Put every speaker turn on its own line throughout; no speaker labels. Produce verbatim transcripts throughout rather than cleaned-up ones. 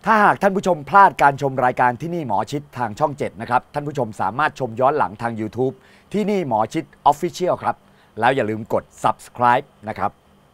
ถ้าหากท่านผู้ชมพลาดการชมรายการที่นี่หมอชิดทางช่องเจ็ดนะครับท่านผู้ชมสามารถชมย้อนหลังทาง YouTube ที่นี่หมอชิด Official ครับแล้วอย่าลืมกด Subscribe นะครับ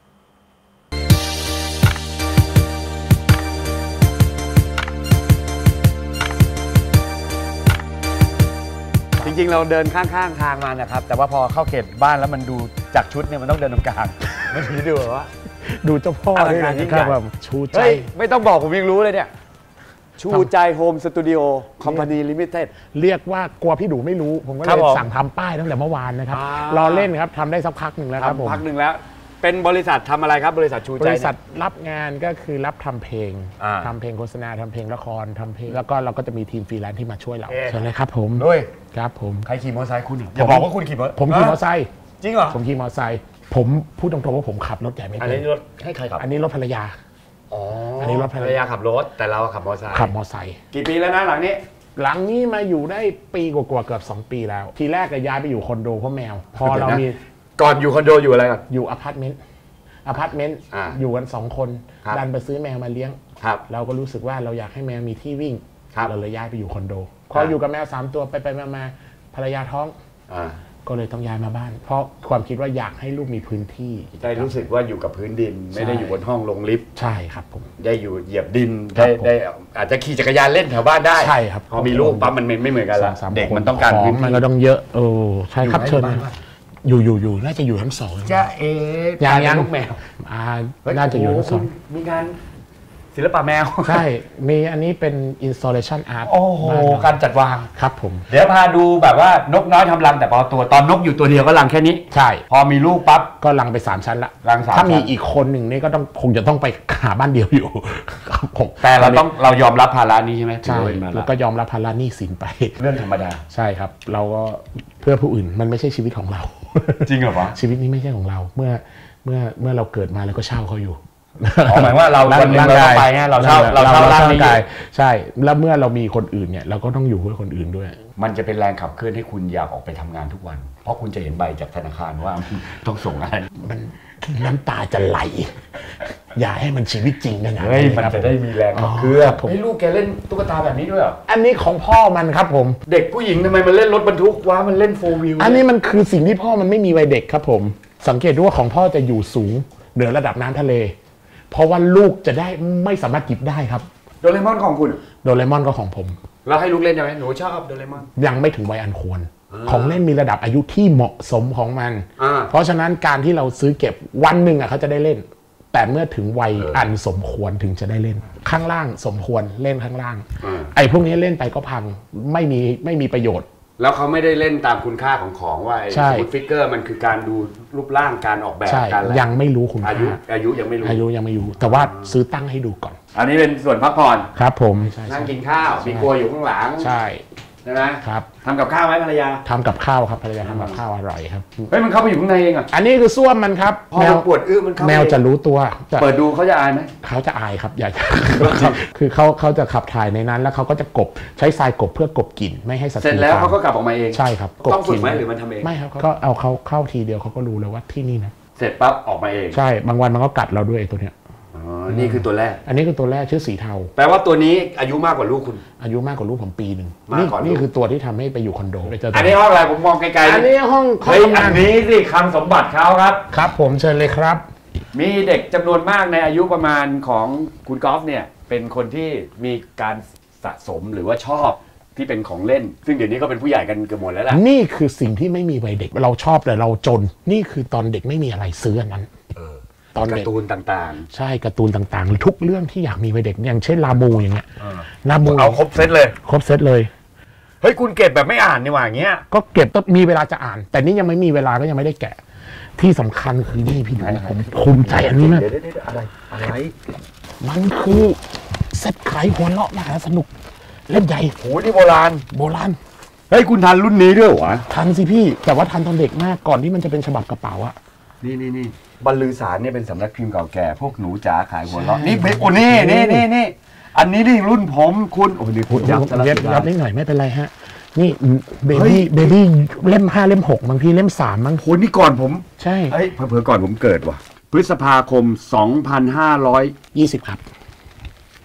จริงๆเราเดินข้างๆทางมานะครับแต่ว่าพอเข้าเขตบ้านแล้วมันดูจากชุดเนี่ยมันต้องเดินตรงกลางมันถึงจะดูว่า
ดูเจ้าพ่อด้วยนะครับชูใจ
ไม่ต้องบอกผมยังรู้เลยเนี่ยชูใจโฮมสตูดิโอคอมพานีลิมิเต็ด
เรียกว่ากลัวพี่ดูไม่รู้ผมก็เลยสั่งทำป้ายตั้งแต่เมื่อวานนะครับรอเล่นครับทำได้สักพักหนึ่งแล้วครับผม
พักหนึ่งแล้วเป็นบริษัททำอะไรครับบริษัทชูใจ
บริษัทรับงานก็คือรับทำเพลงทำเพลงโฆษณาทำเพลงละครทำเพลงแล้วก็เราก็จะมีทีมฟรีแลนซ์ที่มาช่วยเราใช่ไหมครับผม
ด้วย
ครับผม
ใครขี่มอเตอร์ไซค์คุณอย่าบอกว่าคุณขี่มอเตอร์
ผมขี่มอเตอร์ไซค์
จริงเหรอ
ผมขี่มอเตอร์ไซค์ผมพูดตรงๆว่าผมขับรถใหญ่ไม่เป็น
อันนี้รถให้ใครขับ
อันนี้รถภรรยา
อ๋ออันนี้รถภรรยาขับรถแต่เราขับมอเตอร์ไซค์
ขับมอเตอร์ไซค์
กี่ปีแล้วนะหลังนี้
หลังนี้มาอยู่ได้ปีกว่าๆเกือบสองปีแล้วทีแรกก็ย้ายไปอยู่คอนโดเพราะแมวพอเรามี
ก่อนอยู่คอนโดอยู่อะไรกัน
อยู่อพาร์ตเมนต์อพาร์ตเมนต์อยู่กันสองคนดันไปซื้อแมวมาเลี้ยงเราก็รู้สึกว่าเราอยากให้แมวมีที่วิ่งเราเลยย้ายไปอยู่คอนโดพออยู่กับแมวสามตัวไปไปมาภรรยาท้องก็เลยต้องย้ายมาบ้านเพราะความคิดว่าอยากให้ลูกมีพื้นที่
ได้รู้สึกว่าอยู่กับพื้นดินไม่ได้อยู่บนห้องลงลิฟต์
ใช่ครับผม
ได้อยู่เหยียบดินได้ได้อาจจะขี่จักรยานเล่นแถวบ้านได้
ใช่ครับ
พอมีลูกปั๊บมันไม่เหมือนกันละเด็กมันต้องการพื้นที่
มันก็ต้องเยอะโอ้ใช่ครับเชิญอยู่อยู่อยู่น่าจะอยู่ทั้งสอง
จะเอ๋
ยังยัง
ลูกแมว
น่าจะอยู่ทั้งสอง
มีงานศิลปะแมว
ใช่มีอันนี้เป็น installation art
โอ้โหการจัดวาง
ครับผม
เดี๋ยวพาดูแบบว่านกน้อยทำรังแต่พอตัวตอนนกอยู่ตัวเดียวก็รังแค่นี้
ใช่
พอมีลูกปั๊บ
ก็รังไปสามชั้นละ
รังสาม
ถ้ามีอีกคนหนึ่งนี่ก็ต้องคงจะต้องไปหาบ้านเดียวอยู่ครับผม
แต่เราต้องเรายอมรับภาระนี้ใช่ไหม
ใช่แล้วก็ยอมรับภาระหนี้สินไป
เรื่องธรรมดา
ใช่ครับเราก็เพื่อผู้อื่นมันไม่ใช่ชีวิตของเรา
จริงเหรอวะ
ชีวิตนี้ไม่ใช่ของเราเมื่อเมื่อเมื่อเราเกิดมาแล้วก็เช่าเขาอยู่
หมายว่าเราวันนึงเราไปไงเราเช่าเราเช่าร่างนี้
ใช่แล้วเมื่อเรามีคนอื่นเนี่ยเราก็ต้องอยู่เพื่อคนอื่นด้วย
มันจะเป็นแรงขับเคลื่อนให้คุณอยากออกไปทำงานทุกวันเพราะคุณจะเห็นใบจากธนาคารว่าต้องส่งอะไร
มันน้ำตาจะไหลอย่าให้มันชีวิตจริงนะ
เฮ้ยมันจะได้มีแรงขับเคลื่อนให้ลูกแกเล่นตุ๊กตาแบบนี้ด้วยเหรอ
อันนี้ของพ่อมันครับผม
เด็กผู้หญิงทำไมมันเล่นรถบรรทุกวะมันเล่นโฟร์วิว
อันนี้มันคือสิ่งที่พ่อมันไม่มีวัยเด็กครับผมสังเกตดูว่าของพ่อจะอยู่สูงเหนือระดับน้ำทะเลเพราะว่าลูกจะได้ไม่สามารถหยิบได้ครับ
โดเรมอนของคุณ
โดเรมอนก็ของผม
เราให้ลูกเล่นใช่ไหมหนูชอบโดเรมอน
ยังไม่ถึงวัยอันควรของเล่นมีระดับอายุที่เหมาะสมของมันเพราะฉะนั้นการที่เราซื้อเก็บวันหนึ่งอ่ะเขาจะได้เล่นแต่เมื่อถึงวัยอันสมควรถึงจะได้เล่นข้างล่างสมควรเล่นข้างล่างไอ้พวกนี้เล่นไปก็พังไม่มีไม่มีประโยชน์
แล้วเขาไม่ได้เล่นตามคุณค่าของของว่าไอ้สมุดฟิกเกอร์มันคือการดูรูปร่างการออกแบบการ
ยังไม่รู้คุณ
อายุอายุยังไม่รู้
อายุยังไม่รู้แต่ว่าซื้อตั้งให้ดูก่อน
อันนี้เป็นส่วนพักผ่อน
ครับผม
นั่งกินข้าวมีครัวอยู่ข้างหลัง
ใช่
ใช่ไหม
ครับ
ทำกับข้าวไหมภรรยา
ทำกับข้าวครับภรรยาทำกับข้าวอร่อยครับ
เฮ้ยมันเข้าไปอยู่ข้างในเองอ่ะ
อันนี้คือส้วมมันครับ
แมวปวดอื้อมันเข้า
แมวจะรู้ตัว
เปิดดูเขาจะอายไหม
เขาจะอายครับอยากคือเขาเขาจะขับถ่ายในนั้นแล้วเขาก็จะกบใช้ทรายกบเพื่อกบกลิ่นไม่ให้สัตว์
เสร็จแล้วเขาก็กลับออกมาเอง
ใช่ครับ
ต้องฝึกไหมหรือมันทำเอง
ไม่ครับก็เอาเขาเข้าทีเดียวเขาก็รู้แล้วว่าที่นี่นะ
เสร็จปั๊บออกมาเอง
ใช่บางวันมันก็กัดเราด้วยตัวเนี้ย
นี่คือตัวแรก
อันนี้คือตัวแรกชื่อสีเทา
แปลว่าตัวนี้อายุมากกว่าลูกคุณ
อายุมากกว่าลูกผมปีหนึ่งนี่นี่คือตัวที่ทำให้ไปอยู่คอนโด
อันนี้ห้องอะไรผมมองไกลๆ
อันนี้ห้อง
เฮ้ยอันนี้สิคลังสมบัติเขาครับ
ครับผมเชิญเลยครับ
มีเด็กจำนวนมากในอายุประมาณของคุณกอล์ฟเนี่ยเป็นคนที่มีการสะสมหรือว่าชอบที่เป็นของเล่นซึ่งเดี๋ยวนี้ก็เป็นผู้ใหญ่กันเกือบหมดแล้วล่ะ
นี่คือสิ่งที่ไม่มีวัยเด็กเราชอบแต่เราจนนี่คือตอนเด็กไม่มีอะไรซื้ออันนั้น
ตอนการ์ตูนต่าง
ๆใช่การ์ตูนต่างๆทุกเรื่องที่อยากมีวัยเด็กอย่างเช่นลาบูอย่างเงี้ยลาบู
เอาครบเซตเลย
ครบเซตเลย
เฮ้ยคุณเก็บแบบไม่อ่านนี่หว่าอย่างเงี้ย
ก็เก็บต้องมีเวลาจะอ่านแต่นี่ยังไม่มีเวลาก็ยังไม่ได้แกะที่สำคัญคือนี่พี่ผมภูมิใจอันนี้นะ
อะไรอะไร
มันคือเซตขายหัวเลาะมหาสนุกเล่มใหญ่
โหนี่โบราณ
โบราณ
เฮ้ยคุณทันรุ่นนี้ด้วยวะ
ทันสิพี่แต่ว่าทันตอนเด็กมากก่อนที่มันจะเป็นฉบับกระเป๋าอะ
นี่นี่นี่บรรลือสารเนี่ยเป็นสำนักพิมพ์เก่าแก่พวกหนูจ๋าขายหัวเราะนี่เบโอนี่นี่นี่นี่อันนี้นี่รุ่นผมคุณโอ้ยคุณยับ
ยับยับนิดหน่อยไม่เป็นไรฮะนี่เบบี้เบบี้เล่มห้าเล่มหกบางทีเล่มสามบาง
คนนี่ก่อนผม
ใช่
เฮ้ยเผื่อก่อนผมเกิดว่ะพฤษภาคมสองพันห้าร้อย
ยี่สิบครับ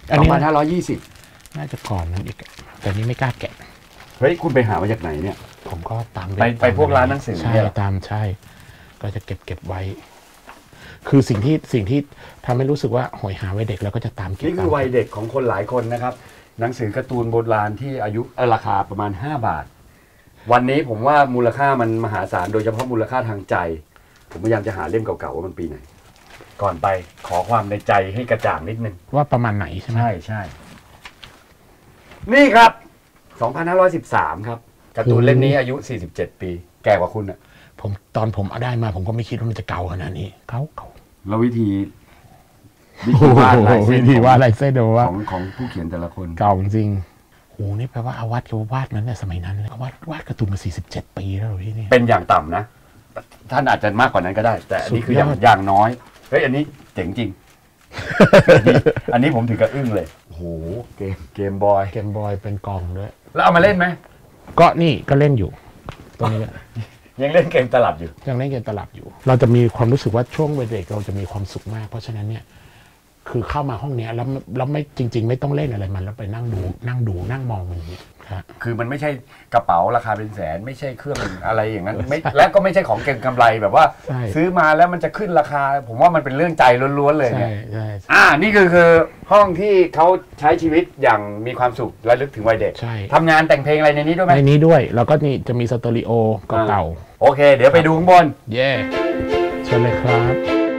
สองพันห้าร้อยยี่สิบ
น่าจะก่อนนั้นอีกแต่นี้ไม่กล้าแกะ
เฮ้ยคุณไปหามาจากไหนเนี่ย
ผมก็ตาม
ไปไปพวกร้านหนังสือ
ใช่ตามใช่ก็จะเก็บเก็บไว้คือสิ่งที่สิ่งที่ทำให้รู้สึกว่าหอยหาวัยเด็กแล้วก็จะตามเก็บ
นี่คือวัยเด็กของคนหลายคนนะครับหนังสือการ์ตูนโบราณที่อายุราคาประมาณห้าบาทวันนี้ผมว่ามูลค่ามันมหาศาลโดยเฉพาะมูลค่าทางใจผมพยายามจะหาเล่มเก่าๆว่ามันปีไหนก่อนไปขอความในใจให้กระจ่างนิดนึง
ว่าประมาณไหนใช่ไหม
ใช่ใช่นี่ครับสองพันห้าร้อยสิบสามครับการ์ตูนเล่มนี้อายุสี่สิบเจ็ดปีแก่กว่าคุณอ่ะ
ผมตอนผมเอาได้มาผมก็ไม่คิดว่ามันจะเก่าขนาดนี้เก่าเก่า
แล้ววิธีวิธีวาดลายเส้น
วิธีวาดลายเส้นดูว่า
ของของผู้เขียนแต่ละคน
เก่าจริงโอ้นี่แปลว่าอาวาดเขาวาดนั้นเนี่ยสมัยนั้นเลยวาดวาดการ์ตูนมาสี่สิบเจ็ดปีแล้วพี่นี่
เป็นอย่างต่ำนะท่านอาจจะมากกว่านั้นก็ได้แต่อันนี้คืออย่างอย่างน้อยเฮ้ยอันนี้เจ๋งจริงอันนี้ผมถือกระอึ้งเลยโอ้โหเกมเกมบอย
เกมบอยเป็นกล่องด้วย
แล้วเอามาเล่นไหม
ก็นี่ก็เล่นอยู่ตรงนี้
ยังเล่นเกมตลับอยู่
ยังเล่นเกมตลับอยู่เราจะมีความรู้สึกว่าช่วงวัยเด็กเราจะมีความสุขมากเพราะฉะนั้นเนี่ยคือเข้ามาห้องนี้แล้วแล้วไม่จริงๆไม่ต้องเล่นอะไรมันแล้วไปนั่งดูนั่งดูนั่งมองมันอย่างเงี้ยครับ
คือมันไม่ใช่กระเป๋าราคาเป็นแสนไม่ใช่เครื่องอะไรอย่างนั้นไม่และก็ไม่ใช่ของเก็งกำไรแบบว่าซื้อมาแล้วมันจะขึ้นราคาผมว่ามันเป็นเรื่องใจล้วนๆเลยเนี่ยอ่านี่คือคือห้องที่เขาใช้ชีวิตอย่างมีความสุขและลึกถึงวัยเด็กทำงานแต่งเพลงอะไรในนี้ด้วยไหม
ในนี้ด้วยแล้วก็นี่จะมีสเตอริโอเก่า
โอเคเดี๋ยวไปดูข้างบน
เย่เชิญเลยครับ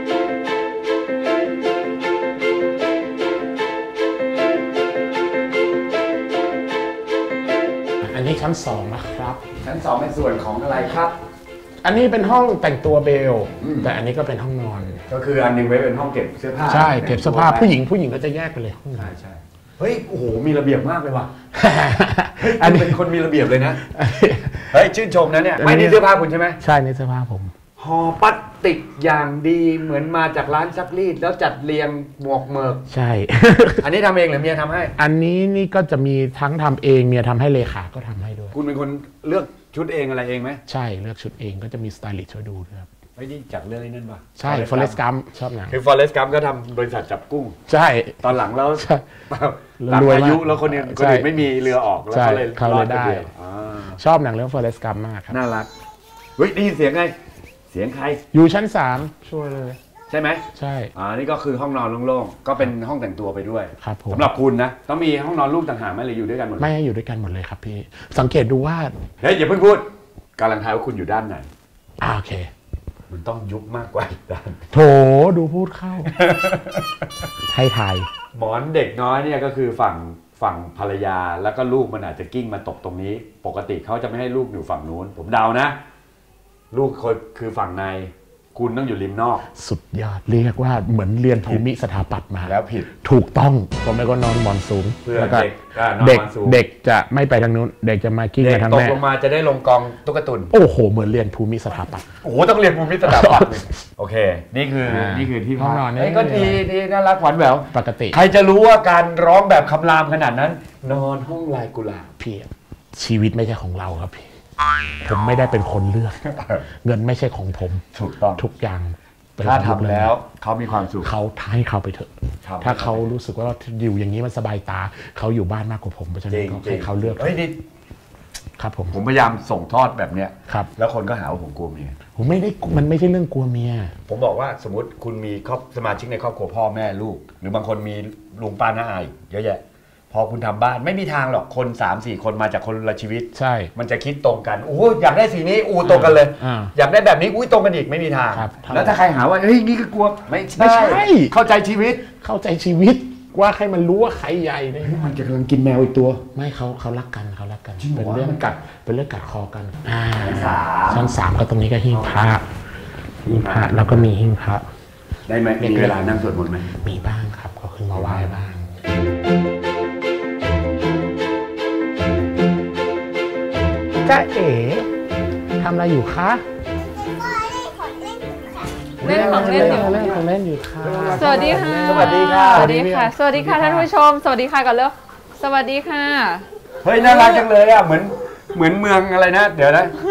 อันนี้ชั้นสองนะครับ
ชั้นสองเป็นส่วนของอะไรครับ
อันนี้เป็นห้องแต่งตัวเบลแต่อันนี้ก็เป็นห้องนอน
ก็คืออันนึงไว้เป็นห้องเก็บเสื้อผ้า
ใช่เก็บเสื้อผ้าผู้หญิงผู้หญิงก็จะแยกไปเลยห้อง
ใช่ใช่เฮ้ยโอ้โหมีระเบียบมากเลยว่ะอันนี้เป็นคนมีระเบียบเลยนะเฮ้ยชื่นชมนะเนี่ยไม่นี่เสื้อผ้าคุณใช่ไหม
ใช่นี่เสื้อผ้าผม
ห่อพลาสติกอย่างดีเหมือนมาจากร้านซักรีดแล้วจัดเรียงหมวกเมิก
ใช่
อันนี้ทำเองหรือเมียทำให้
อันนี้นี่ก็จะมีทั้งทำเองเมียทำให้เลขาก็ทำให้ด้วย
คุณเป็นคนเลือกชุดเองอะไรเองไหม
ใช่เลือกชุดเองก็จะมีสไตลิสต์ช่วยดูด้วยครับ
ไอ้นี่จากเรื่องนี้นั่นป่ะ
ใช่ฟอเรสต์กัมชอบหนัง
คือฟอเรสต์กัมก็ทำบริษัทจับกุ้ง
ใช่
ตอนหลังแล้วหลังอายุแล้วคนนี้คนอื่นไม่มีเรือออกแล้วเขาเลย
เขาเลยได้ชอบหนังเรื่องฟอเรสต์กัมมากครับ
น่ารักเฮ้ยได้ยินเสียงไงเสียงใคร
อยู่ชั้นสามช่วยเลย
ใช่ไหม
ใช่
อ่านี่ก็คือห้องนอนโล่งๆก็เป็นห้องแต่งตัวไปด้วย
ครับผม
สำหรับคุณนะต้องมีห้องนอนลูกต่างหากไหมหรืออยู่ด้วยกันหมด
ไม่อยู่ด้วยกันหมดเลยครับพี่สังเกตดูว่า
เฮ้ยอย่าเพิ่งพูดกำลังทายว่าคุณอยู่ด้านไหน
อ่าโอเค
มันต้องยุบมากกว่าด้าน
โถดูพูดเข้าให้ทาย
หมอนเด็กน้อยเนี่ยก็คือฝั่งฝั่งภรรยาแล้วก็ลูกมันอาจจะกิ้งมาตกตรงนี้ปกติเขาจะไม่ให้ลูกอยู่ฝั่งนู้นผมเดานะลูกคนคือฝั่งในคุณต้องอยู่ริมนอก
สุดยอดเรียกว่าเหมือนเรียนภูมิสถาปัตย์มา
แล้วผิด
ถูกต้องผมไม่ก็นอนหมอนสูง
เพื่อ
เด็กเด็กจะไม่ไปทางนู้นเด็กจะมากิ้งมาทางแม่
ตกลงมาจะได้ลงกองตุ๊กตุน
โอ้โหเหมือนเรียนภูมิสถาปัตย์
โอ้โหต้องเรียนภูมิสถาปัตย์โอเคนี่คือนี่คือที่
ห้องนอน
นี่ก็ดีดีน่ารักหวานแหวว
ปกติ
ใครจะรู้ว่าการร้องแบบคำรามขนาดนั้นนอนห้องลายกุหลาบ
พี่ชีวิตไม่ใช่ของเราครับพี่ผมไม่ได้เป็นคนเลือกเงินไม่ใช่ของผม
ถูกต้อง
ทุกอย่าง
ถ้าทำแล้วเขามีความสุข
เขาให้เขาไปเถอะถ้าเขารู้สึกว่าอยู่อย่างนี้มันสบายตาเขาอยู่บ้านมากกว่าผมเพราะฉะนั้นให้เขาเลือก
เฮ้ยนี่
ครับผม
ผมพยายามส่งทอดแบบเนี้ย
ครับ
แล้วคนก็หาว่าผมกลัวเมีย
ผมไม่ได้มันไม่ใช่เรื่องกลัวเมีย
ผมบอกว่าสมมติคุณมีครอบสมาชิกในครอบครัวพ่อแม่ลูกหรือบางคนมีลุงป้าน้าอาเยอะแยะพอคุณทำบ้านไม่มีทางหรอกคน สามสี่ คนมาจากคนละชีวิต
ใช่
มันจะคิดตรงกันโอ้อยากได้สีนี้อู้ตรงกันเลยอยากได้แบบนี้อุ้ยตรงกันอีกไม่มีทางแล้วถ้าใครหาว่าเฮ้ยนี่คือกลัวไม่ใช่เข้าใจชีวิต
เข้าใจชีวิตว่าให้มันรู้ว่าใครใหญ่เนี่ย
มันจะกำลังกินแมวอีกตัว
ไม่เขาเขารักกันเขารักกันเป็นเรื่องกัดเป็นเรื่องกัดคอกันอ่าชั้นสามก็ตรงนี้ก็หิ้งพระหิ้งพระแล้วก็มีหิ้งพระ
ได้ไหมมีเวลานั่งสวดมนต์ไหม
มีบ้างครับก็คือมาไหว้บ้างจ้าเอ๋ทำอะไรอยู่คะ
เล่นของเล่นอยู่
เล่นของเล่นอยู่ค่ะ
สวัสดีค่ะ
สวัสดีค่ะ
สวัสดีค่ะสวัสดีค่ะท่านผู้ชมสวัสดีค่ะก่อนเร็วสวัสดีค่ะ
เฮ้ยน่ารักจังเลยอ่ะเหมือนเหมือนเมืองอะไรนะเดี๋ยวนะ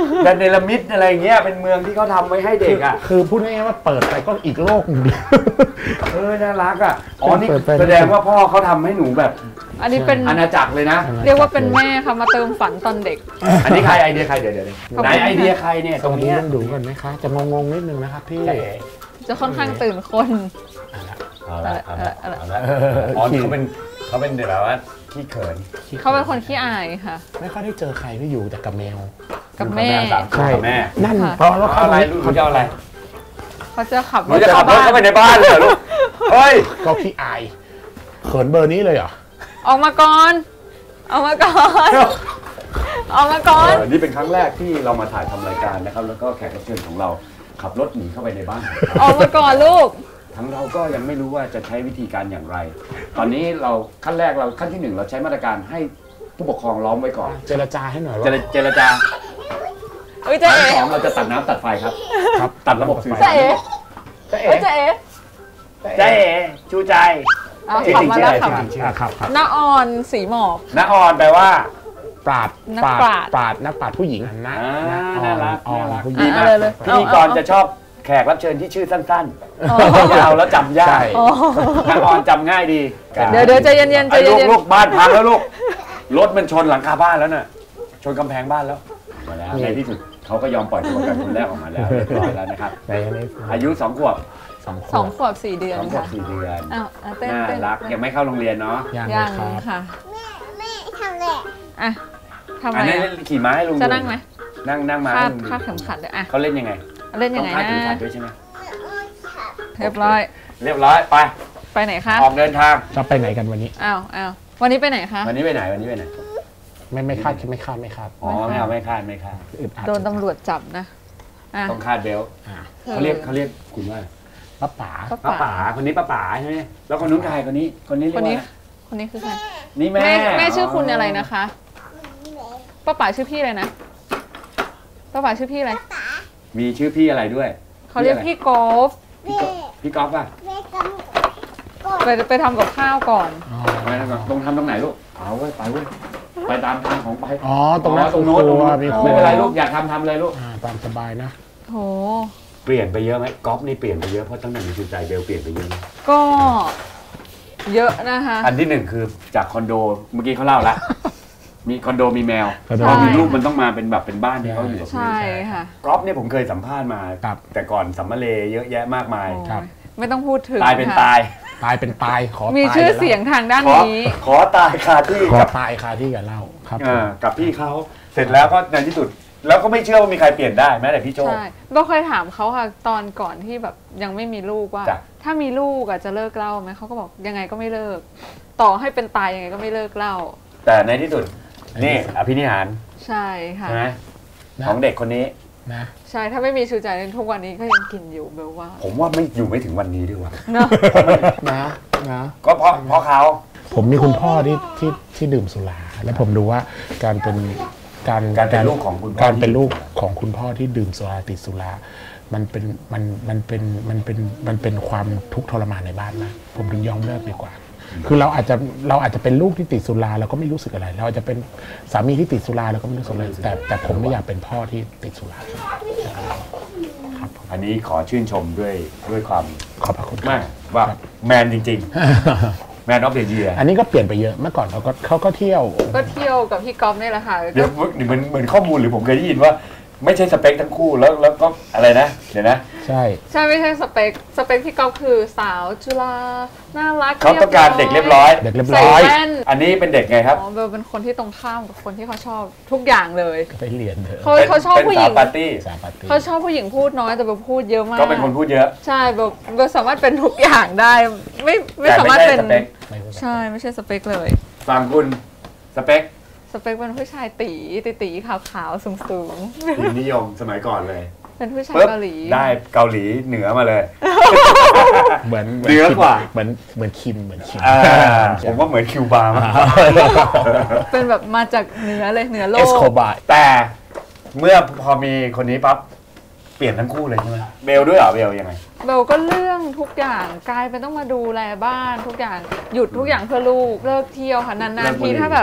แดนเนลมิดอะไรเงี้ยเป็นเมืองที่เขาทำไว้ให้เด็กอ่ะ
คือพูดง่ายๆว่าเปิดไปก็อีกโลกหนึ่งดี
เออน่ารักอ่ะอ๋อนี่แสดงว่าพ่อเขาทำให้หนูแบบ
อันนี้เป็น
อาณาจักรเลยนะ
เรียกว่าเป็นแม่ค่ะมาเติมฝันตอนเด็ก
อันนี้ใครไอเดียใครเดี๋ยวเดี๋ยวไหนไอเดียใครเนี่ยตรงนี้
ต้องดูกันไหมคะจะงงๆนิดนึงนะครับพี่
จะค่อนข้างตื่นคน
เอาละเอาละเอาละอ๋อเขาเป็นเขาเป็นแบบว่าขี้เขิน
เขาเป็นคนขี้อายค่ะ
ไม่ค่อยได้เจอใครที่อยู่แต่กับแมว
กับแม่
ใช่แม่
นั่นเพราะว่า
อะไรลูกเขาจะอะไร
เขาจะขับ
รถจะขับรถเข้าไปในบ้านเลยลูกเฮ้ย
ก็ขี้อายเขินเบอร์นี้เลยเหรอ
ออกมาก่อนออกมาก่อนออกมาก่อน
นี่เป็นครั้งแรกที่เรามาถ่ายทำรายการนะครับแล้วก็แขกรับเชิญของเราขับรถหนีเข้าไปในบ้าน
ออกมาก่อนลูก
ทั้งเราก็ยังไม่รู้ว่าจะใช้วิธีการอย่างไรตอนนี้เราขั้นแรกเราขั้นที่หนึ่งเราใช้มาตรการให้ผู้ปกครองล้อมไว้ก่อน
เจรจาให้หน่อยว่า
เจรจา
ขั้นที่
สองเราจะตัดน้ำตัดไฟครับครับตัดระบบสื่อ
สารเจ๊เอ๋เจ๊เอ๋
เจ๊เอ๋ชูใจ
ขับมาแล้วขับ
ครับ
น้าออนสีหมอก
น้าออนแปลว่า
ปราด
ปราด
ปราดนักปราดผู้หญิง
นะน่ารัก
ออนผู้หญิ
งพิธีกรจะชอบแขกรับเชิญที่ชื่อสั้นๆยาวแล้วจำยากน้าออนจำง่ายดี
เดี๋ยวเดี๋ยวใจเย็นๆใจเย็น
ๆลูกบ้านพังแล้วลูกรถมันชนหลังคาบ้านแล้วน่ะชนกำแพงบ้านแล้วมาแล้วในที่สุดเขาก็ยอมปล่อยตัวกันคนแรกออกมาแล้วเรียบร้อยแล้วนะครับอายุสองขวบ
สองขวบสี่เดือน
สองขวบสี่เดือน
อ้าว
น่ารักยังไม่เข้าโรงเรียนเนาะ
ยังค่ะ
แม่แม่ทำเลย
อ่ะทำอะไร
ขี่ม้าให้ลุง
จะนั่งไหม
นั่งนั่งม้า
คาดเข็มขัดเลยอ่ะ
เขาเล่นยังไง
เล่นยังไงนะ
คาดเข็มขัดด้วยใช่ไหม
เรียบร้อย
เรียบร้อยไป
ไปไหนคะ
ออกเดินทาง
จะไปไหนกันวันนี้
อ้าวอ้าววันนี้ไปไหนคะ
วันนี้ไปไหนวันนี้ไปไหน
ไม่ไม่คาดไม่คาดไม่คาด
อ๋อไม่เอาไม่คาดไม่คาด
โดนตำรวจจับนะ
ต้องคาดเบลเขาเรียกเขาเรียกคุณว่า
ป้าป๋า
ป้าป๋าคนนี้ป้าป๋าใช่ไหมแล้วคนนู้นใครคนนี้คนนี้เรียกว่า
คนนี้คือใคร
นี่แม่
แม่ชื่อคุณอะไรนะคะป้าป๋าชื่อพี่อะไรนะป้าป๋าชื่อพี่อะไร
มีชื่อพี่อะไรด้วย
เขาเรียกพี่กอล์ฟ
พี่กอล์ฟป่ะ
ไปไปทำกับข้าวก่อน
ไปทำกับตรงทำตรงไหนลูกเอาไว้ไปเว้ยไปตามทางของไป
อ๋อตรงนั้นตรงโน้น
ไม่เป็นไรลูกอยากทำทำเลยลูก
ตามสบายนะ
โห
เปลี่ยนไปเยอะไหมกอล์ฟนี่เปลี่ยนไปเยอะเพราะตั้งแต่มีชูใจเบลเปลี่ยนไปเยอะ
ก็เยอะนะคะ
อันที่หนึ่งคือจากคอนโดเมื่อกี้เขาเล่าละมีคอนโดมีแมวพอมีลูกมันต้องมาเป็นแบบเป็นบ้านที่เขาอยู่
ใช่ค่ะ
กอล์ฟเนี่ยผมเคยสัมภาษณ์มาแต่ก่อนสัมมาเลเยอะแยะมากมาย
ไม่ต้องพูดถึง
ตายเป็นตาย
ตายเป็นตายขอ
มีชื่อเสียงทางด้านนี้
ขอตายคาที่
ขอตายคาที่กับเล่าครับ
กับพี่เขาเสร็จแล้วก็ในที่สุดแล้วก็ไม่เชื่อว่ามีใครเปลี่ยนได้แม้แต่พี่โจ้
ใช่โบเคยถามเขาค่ะตอนก่อนที่แบบยังไม่มีลูกว่าถ้ามีลูกอะจะเลิกเล่าไหมเขาก็บอกยังไงก็ไม่เลิกต่อให้เป็นตายยังไงก็ไม่เลิกเล่า
แต่ในที่สุดนี่อภินิหาร
ใช่ค่ะ
ของเด็กคนนี้
นะ
ใช่ถ้าไม่มีชูใจในทุกวันนี้ก็ยังกินอยู่เบลว่า
ผมว่าไม่อยู่ไม่ถึงวันนี้ด้วยว่ะ
นะ
นะนะ
ก็เพราะเพราะเขา
ผมมีคุณพ่อที่ที่ที่ดื่มสุราและผมดูว่าการเป็นการ
การเป็นลูกของคุณ
การเป็นลูกของคุณพ่อที่ดื่มสุราติดสุรามันเป็นมันมันเป็นมันเป็นมันเป็นความทุกข์ทรมานในบ้านนะผมถึงยอมเลิกดีกว่าคือเราอาจจะเราอาจจะเป็นลูกที่ติดสุราเราก็ไม่รู้สึกอะไรเราอาจจะเป็นสามีที่ติดสุราเราก็ไม่รู้สึกอะไรแต่แต่ผมไม่อยากเป็นพ่อที่ติดสุรา
ครับอันนี้ขอชื่นชมด้วยด้วยความ
ขอบพระคุณ
มากว่าแมนจริงๆแมนออฟเดอะเยียร์
อันนี้ก็เปลี่ยนไปเยอะเมื่อก่อนเขาก็เขาก็เที่ยว
ก็เที่ยวกับพี่ก๊อฟนี่แหละค่ะ
เดี๋ยวเหมือนเหมือนข้อมูลหรือผมเคยได้ยินว่าไม่ใช่สเปคทั้งคู่แล้วแล้วก็อะไรนะเดี๋ยวนะ
ใช่
ใช่ไม่ใช่สเปคสเปคพี่ก๊อฟคือสาวจุฬาน่ารัก
เขาต้องการเด็กเรียบร้อย
เด็กเรียบร้อย
อันนี้เป็นเด็กไงครับ
อ๋อเบลเป็นคนที่ตรงข้ามกับคนที่เขาชอบทุกอย่างเลย
ไปเรียนเถอะ
เขาเขาชอบผู้หญิง
ปาร์ตี้
เขาชอบผู้หญิงพูดน้อยแต่เบลพูดเยอะมาก
ก็เป็นคนพูดเยอะ
ใช่เบลเบลสามารถเป็นทุกอย่างได้ไม่ไม่สามารถเป็นใช่ไม่ใช่สเปคเลย
ฝั่งคุณสเปค
สเปคเป็นผู้ชายตีตีตีขาวขาวสูงสูง
นิยมสมัยก่อนเลย
เป็นผู้ชายเกาหลี
ได้เกาหลีเหนือมาเลย
เหมือน
เหนือกว่า
เหมือนเหมือนคิมเหมือนคิม
ผมว่าเหมือนคิวบาร์มาก
เป็นแบบมาจากเหนือเลยเหนือโลก
เอสโคบาร์
แต่เมื่อพอมีคนนี้ปั๊บเปลี่ยนทั้งคู่เลยใช่ไหมเบลด้วยเหรอเบลยังไง
เบลก็เรื่องทุกอย่างกลายเป็นต้องมาดูแลบ้านทุกอย่างหยุดทุกอย่างเพื่อลูกเลิกเที่ยวค่ะนานๆทีถ้าแบบ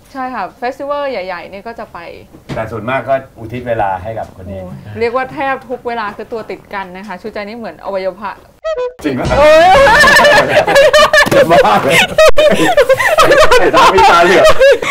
ใช่ค่ะเฟสติวัลใหญ่ๆนี่ก็จะไป
แต่ส่วนมากก็อุทิศเวลาให้กับคนนี้
เรียกว่าแทบทุกเวลาคือตัวติดกันนะคะชูใจนี่เหมือนอวัยวะ
จริงไหมเจ็บมากเลยไอ้ตาพี่ตาเหลือก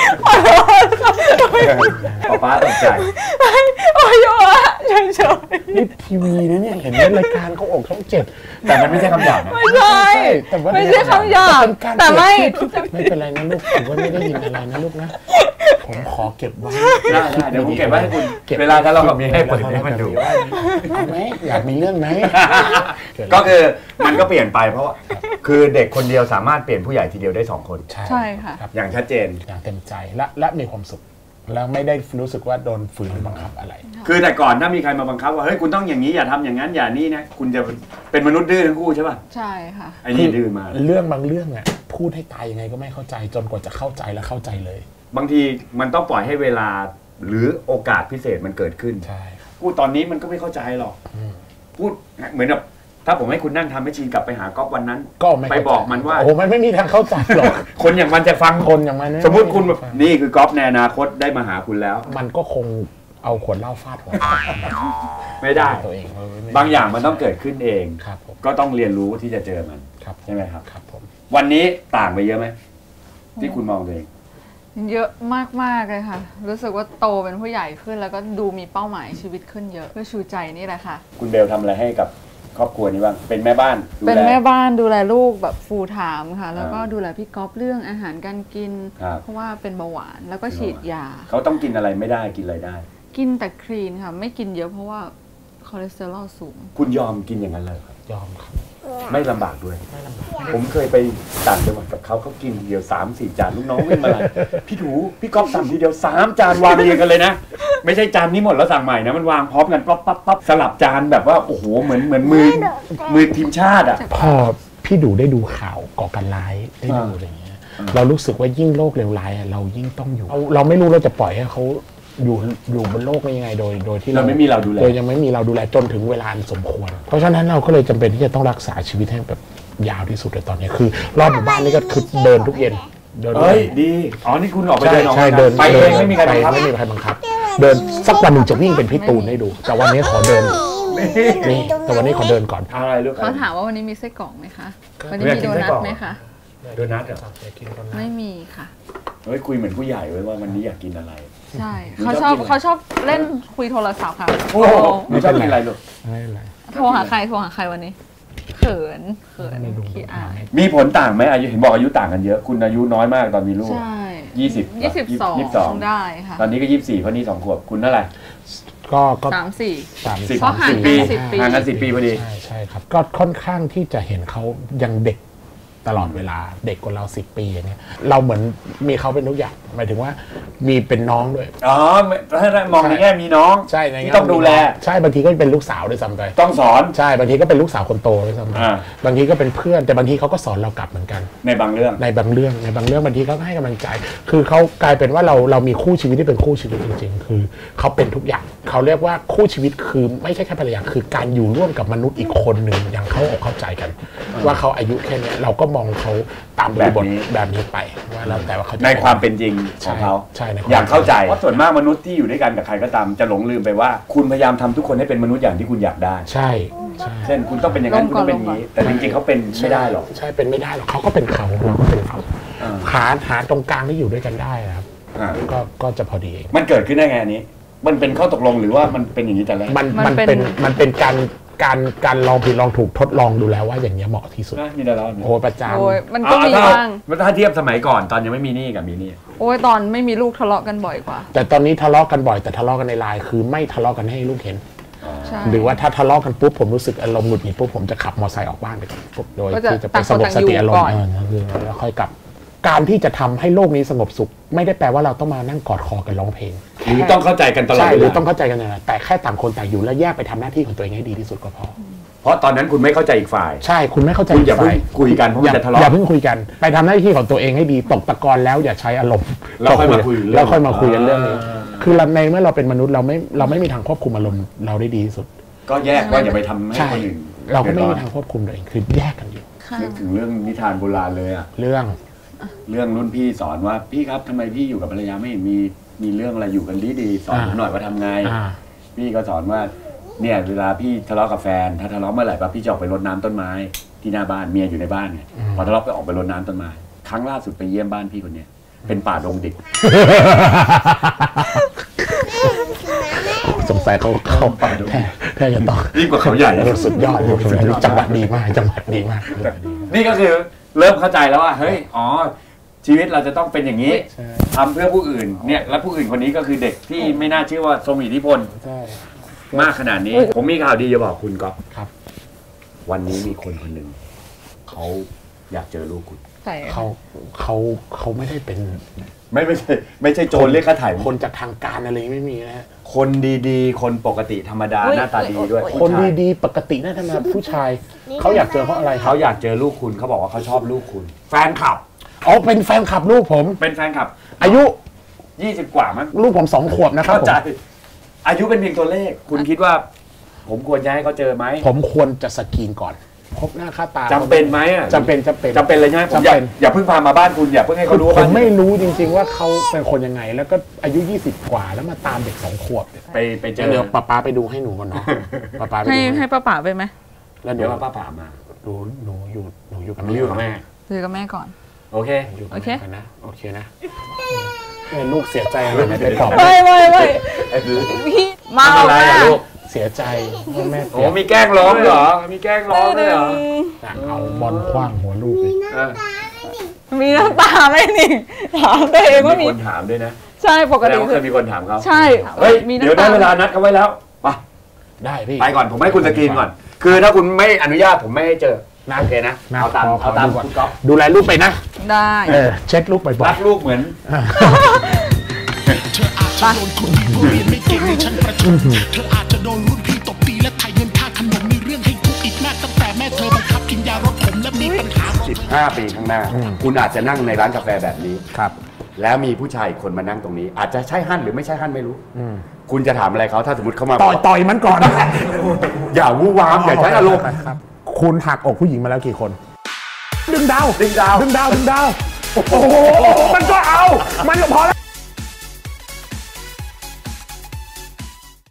ป้าป้าตกใจ
อวัยวะเฉย
ๆนี่ทีวีนะเนี่ยเห็นรายการเขาออกช่องเจ็ด
แต่มันไม่ใช่คำหยาบนะ
ไม่ใช่ไม่ใช่คำหยาบแต่ไม่
ไม่เป็นไรนะลูกผมว่าไม่ได้ยินอะไรนะลูกนะผมขอเก็บไว้
ได้ได้เดี๋ยวผมเก็บไว้ให้คุณเวลาถ้าเราแบบมีให้เปิดให้มันดู
เอาไหมอยากมีเรื่องไหม
ก็คือมันก็เปลี่ยนไปเพราะคือเด็กคนเดียวสามารถเปลี่ยนผู้ใหญ่ทีเดียวได้สองคน
ใช่ค่ะ
อย่างชัดเจน
อย่างเต็มใจและและมีความสุขแล้วไม่ได้รู้สึกว่าโดนฝืนบังคับอะไร
คือแต่ก่อนถ้ามีใครมาบังคับว่าเฮ้ยคุณต้องอย่างนี้อย่าทำอย่างนั้นอย่านี่นะคุณจะเป็นมนุษย์ดื้อทั้งคู่ใช่ป่ะ
ใช่ค่ะ
ไอ้นี่ดื้อมา
เรื่องบางเรื่องอ่ะพูดให้ตายยังไงก็ไม่เข้าใจจนกว่าจะเข้าใจและเข้าใจเลย
บางทีมันต้องปล่อยให้เวลาหรือโอกาสพิเศษมันเกิดขึ้น
ใช่
พูดตอนนี้มันก็ไม่เข้าใจหรอกพูดเหมือนแบบถ้าผมให้คุณนั่งทำให้ชีนกลับไปหาก๊อฟวันนั้น
ก็
ไปบอกมันว่า
โอ้มันไม่มีทางเข้าใจหรอก
คนอย่างมันจะฟัง
คนอย่างมัน
สมมติคุณแบบนี่คือก๊อฟในอนาคตได้มาหาคุณแล้ว
มันก็คงเอาขวดเหล้าฟาดหัว
ไม่ได้ตัวเองบางอย่างมันต้องเกิดขึ้นเองก็ต้องเรียนรู้ที่จะเจอมันใช่ไหมครับ
ครับผม
วันนี้ต่างไปเยอะไหมที่คุณมองตัวเอง
เยอะมากๆเลยค่ะรู้สึกว่าโตเป็นผู้ใหญ่ขึ้นแล้วก็ดูมีเป้าหมายชีวิตขึ้นเยอะเพื่อชูใจนี่แหละค่ะ
คุณเบลทำอะไรให้กับครอบครัวนี้บ้างเป็นแม่บ้าน
เป็นแม่บ้านดูแลลูกแบบฟูลไทม์ค่ะแล้วก็ดูแลพี่ก๊อฟเรื่องอาหารการกินเพราะว่าเป็นเบาหวานแล้วก็ฉีดยา
เขาต้องกินอะไรไม่ได้กินอะไรได้
กินแต่คลีนค่ะไม่กินเยอะเพราะว่าคอเลสเตอรอลสูง
คุณยอมกินอย่างนั้นเลย
ยอมครับ
ไม่ลำบากด้วยผมเคยไปต่างจังหวัดกับเขาเขากินเดียวสามสี่จานลูกน้องวิ่งมาเลยพี่ถูพี่ก๊อฟสั่งทีเดียวสามจานวางเรียงกันเลยนะไม่ใช่จานนี้หมดแล้วสั่งใหม่นะมันวางพร้อมกันปั๊บปั๊บปั๊บสลับจานแบบว่าโอ้โหเหมือนเหมือนมือมือทีมชาติอ่ะ
พอพี่ดูได้ดูข่าวก่อการร้ายได้ดูอะไรอย่างเงี้ยเรารู้สึกว่ายิ่งโลกเลวร้ายเรายิ่งต้องอยู่เราไม่รู้เราจะปล่อยให้เขาอยู่อยู่บนโลกนี้ยังไงโดยโดยที่
เราไม่มีเราดูแล
โดยยังไม่มีเราดูแลจนถึงเวลาสมควรเพราะฉะนั้นเราก็เลยจำเป็นที่จะต้องรักษาชีวิตให้แบบยาวที่สุดในตอนนี้คือรอบหมู่บ้านนี่ก็คือเดินทุกเย็น
เดินเฮ้ยดีอ๋อนี่คุณออกไปเดิน
ใช่เดิน
ไปเองไม่มีใครบังคับ
ไม่มีใครบังคับเดินสักวันหนึ่งจะวิ่งเป็นพี่ตูนให้ดูแต่วันนี้ขอเดินนี่แต่วันนี้ขอเดินก่อน
อะไรลูก
เขาถามว่าวันนี้มีไส้กรอกไหมคะวันนี้มีโดนัทไหมคะ
โดนัทเหรอ
ไม่มีค่ะ
เฮ้ยคุยเหมือนผู้ใหญ่ไว้ว่าวันนี้อยากกินอะไร
ใช่เขาชอบเขาชอบเล่นคุยโทรศัพท์ค่ะ
โอ้ไม่ชอบกินอะไรลูก
ไม่อะไร
โทรหาใครโทรหาใครวันนี้เขินเขินขี้อาย
มีผลต่างไหมอายุเห็นบอกอายุต่างกันเยอะคุณอายุน้อยมากตอนมีลูก
ใช่
ยี่สิบ
ยี่สิบสองยี่สิบสองได้ค่ะ
ตอนนี้ก็ยี่สิบสี่เพราะนี่สองขวบคุณเท่าไหร่
ก็ก็
สามสี่
สาม
สิบ
ห่าง
ปี
ห่
างกันสิบปีพอดี
ใช่ใช่ครับก็ค่อนข้างที่จะเห็นเขายังเด็กตลอดเวลาเด็กกว่าเราสิบปีอย่างเงี้ยเราเหมือนมีเขาเป็นทุกอย่างหมายถึงว่ามีเป็นน้องด้วย
อ๋อถ้ามองในแง่มีน้อง
ใช่
ที่ต้องดูแล
ใช่บางทีก็เป็นลูกสาวด้วยซ้ำไป
ต้องสอน
ใช่บางทีก็เป็นลูกสาวคนโตด้วยซ้ำไปบางทีก็เป็นเพื่อนแต่บางทีเขาก็สอนเรากลับเหมือนกัน
ในบางเรื่อง
ในบางเรื่องในบางเรื่องบางทีเขาให้กำลังใจคือเขากลายเป็นว่าเราเรามีคู่ชีวิตที่เป็นคู่ชีวิตจริงๆคือเขาเป็นทุกอย่างเขาเรียกว่าคู่ชีวิตคือไม่ใช่แค่ภรรยาคือการอยู่ร่วมกับมนุษย์อีกคนหนึ่งอย่างเข้าอกเข้าใจกันว่าเขาอายุแค่นี้เราก็มองเขาตามบริบทแบบนี้ไปว่าแล้วแต่ว่าเขา
ในความเป็นจริงของเขา
ใช่
อย่างเข้าใจเพราะส่วนมากมนุษย์ที่อยู่ด้วยกันกับใครก็ตามจะหลงลืมไปว่าคุณพยายามทำทุกคนให้เป็นมนุษย์อย่างที่คุณอยากได้
ใช่
เช่นคุณต้องเป็นอย่างนั้นคุณต้องเป็นอย่างนี้แต่จริงๆเขาเป็นไม่ได้หรอก
ใช่เป็นไม่ได้หรอกเขาก็เป็นเขาเราก็เป็นเขาหาหาตรงกลางที่อยู่ด้วยกันได้ครับก็ก็จะพอดีเอง
มันเกิดขึ้นได้ไงอันนี้มันเป็นข้อตกลงหรือว่ามันเป็นอย่างนี้แต่แรก
มันมันเป็นมันเป็นการการการลองผิดลองถูกทดลองดูแล้วว่าอย่างเงี้ยเหมาะที่สุด
มีแต่เรา
โอ้ประจำ
โอ้ยมันก็มีบ้าง
ถ้าเทียบสมัยก่อนตอนยังไม่มีนี่กับมีนี่
โอ้ยตอนไม่มีลูกทะเลาะกันบ่อยกว่า
แต่ตอนนี้ทะเลาะกันบ่อยแต่ทะเลาะกันในไลน์คือไม่ทะเลาะกันให้ลูกเห็นหรือว่าถ้าทะเลาะกันปุ๊บผมรู้สึกอารมณ์หงุดหงิดปุ๊บผมจะขับมอเตอร์ไซค์ออกบ้านไปก่อนปุ๊บโดยที่จะไปสงบสติอารมณ์แล้วค่อยกลับการที่จะทำให้โลกนี้สงบสุขไม่ได้แปลว่าเราต้องมานั่งกอดคอกันร้องเพลง
หรือต้องเข้าใจกันตลอด
ใช่หรือต้องเข้าใจกันนะแต่แค่ต่างคนต่างอยู่แล้วแยกไปทำหน้าที่ของตัวเองให้ดีที่สุดก็พอ
เพราะตอนนั้นคุณไม่เข้าใจอีกฝ่าย
ใช่คุณไม่เข้าใจ
อีกฝ่ายคุยกันเพราะมันจะทะเลาะ
อย่าเพิ่งคุยกันไปทำหน้าที่ของตัวเองให้ดีตกตะกอนแล้วอย่าใช้อารมณ์
แล้วค่อยมาคุย
แล้วค่อยมาคุยกันเรื่องนี้คือในเมื่อเราเป็นมนุษย์เราไม่เราไม่มีทางควบคุมอารมณ์เราได้ดีที่สุด
ก็แยกว่าอย่าไปทำให้คนอื่น
เราก็ไม่มีทางควบคุมตัวเองคือแยกกันอยู่
นึกถึงเรื่องนิทานโบราณเลยอ่ะ
เรื่อง
เรื่องรุ่นพี่สอนว่าพี่ครับทำไมพี่อยู่กับภรรยาไม่เห็นมีมีเรื่องอะไรอยู่กันดีดีสอนผมหน่อยว่าทำไงพี่ก็สอนว่าเนี่ยเวลาพี่ทะเลาะกับแฟนถ้าทะเลาะเมื่อไหร่ปั๊บพี่จะออกไปรดน้ำต้นไม้ที่หน้าบ้านเมียอยู่ในบ้านไงพอทะเลาะไปออกไปรดน้ำต้นไม้ครั้งล่าสุดไปเยี่ยมบ้านพี่คนเนี้ยเป็นป่าดงดิบ
สงสัยเขาเข้าป่าดงแค่จะต้อง
ยิ่งกว่าเขาใหญ่
สุดยอดจังหวัดดีมากจังหวัดดีมาก
นี่ก็คือเริ่มเข้าใจแล้วว่าเฮ้ยอ๋อชีวิตเราจะต้องเป็นอย่างนี้ทำเพื่อผู้อื่นเนี่ยและผู้อื่นคนนี้ก็คือเด็กที่ไม่น่าเชื่อว่าทรงอิทธิพลมากขนาดนี้ผมมีข่าวดีจะบอกคุณก๊อฟครับวันนี้มีคนคนหนึ่งเขาอยากเจอลูกคุณ
เขาเขาเขาไม่ได้เป็น
ไม่ไม่ใช่ไม่ใช่โจรเรียกค่าถ่าย
คนจากทางการอะไรไม่มีนะ
คนดีๆคนปกติธรรมดาหน้าตาดีด้วย
คนดีๆปกติหน้าตาผู้ชายเขาอยากเจอเพราะอะไร
เขาอยากเจอลูกคุณเขาบอกว่าเขาชอบลูกคุณแฟนคลับ
อ๋อเป็นแฟนคลับลูกผม
เป็นแฟนคลับ
อายุ
ยี่สิบกว่ามั้ง
ลูกผมสองขวบนะครับผม
อายุเป็นเพียงตัวเลขคุณคิดว่าผมควรจะให้เขาเจอไหม
ผมควรจะสกรีนก่อนพบหน้าค่าตา
จำเป็นไหมอ่ะ
จำเป็นจำเป็น
จำเป็นเลยใช่ไหมผมอย่าอย่าเพิ่งพามาบ้านคุณอย่าเพิ่งให้เขารู้
ผมไม่รู้จริงๆว่าเขาเป็นคนยังไงแล้วก็อายุยี่สิบกว่าแล้วมาตามเด็กสองขวบ
ไปไปเจอ
เดี๋ยวป้าป้าไปดูให้หนูก่อนเนาะ
ป้าป้าให้ให้ป้าป๋าไปไหม
แล้วเดี๋ยวป้าป๋ามา
ดูหนูอยู่หนูอยู่กับ
หนูอยู่กับแม่
อยู่กับแม่ก่อน
โอเค
โอเคนะโอเคนะลูกเสียใจอะไรไม่ไปปลอบ
ไม่ไม่ไม่พี่เมา
อะไรอะลูก
เสียใจแม่
โอ้มีแกล้งร้องเหรอมีแกล้งร้องเลยเหรอ
เอาบอลคว้างหัวลูกเลย
มีน้ำตาไหมนี่ถามตัวเองว่ามี
คนถามด้วยนะ
ใช่ปกติ
เคยมีคนถามเขา
ใช่
เฮ้ยเดี๋ยวได้เวลานัดเขาไว้แล้วไป
ได้พี่
ไปก่อนผมให้คุณสกรีนก่อนคือถ้าคุณไม่อนุญาตผมไม่ให้เจอโอเคนะเอาตามเอาตามคุณก๊อฟ
ดูแลลูกไปนะ
ได้
เออเช็ดลูกบ่อยๆ
รักลูกเหมือน
เธออาจจะโดนคนที่เรียนไม่เก่งในชั้นประถมเธออาจจะโดนรุ่นพี่ตบตีและไถ่เงินค่าขนมมีเรื่องให้ทุกข์อีกมากตั้งแต่แม่เธอบังคับกินยารถขมและมีปัญหา
สิบห้าปีข้างหน้าคุณอาจจะนั่งในร้านกาแฟแบบนี้
ครับ
แล้วมีผู้ชายคนมานั่งตรงนี้อาจจะใช่ฮั่นหรือไม่ใช่ฮั่นไม่รู้คุณจะถามอะไรเขาถ้าสมมติเขามา
ต่อยต่อยมันก่อน
อย่าวู่วามอย่าใช้อารมณ์
คุณหักอกผู้หญิงมาแล้วกี่คนดึงดาว
ดึงดาว
ดึงดาวดึงดาวโอ้โหมันก็เอามันก็พอแล้ว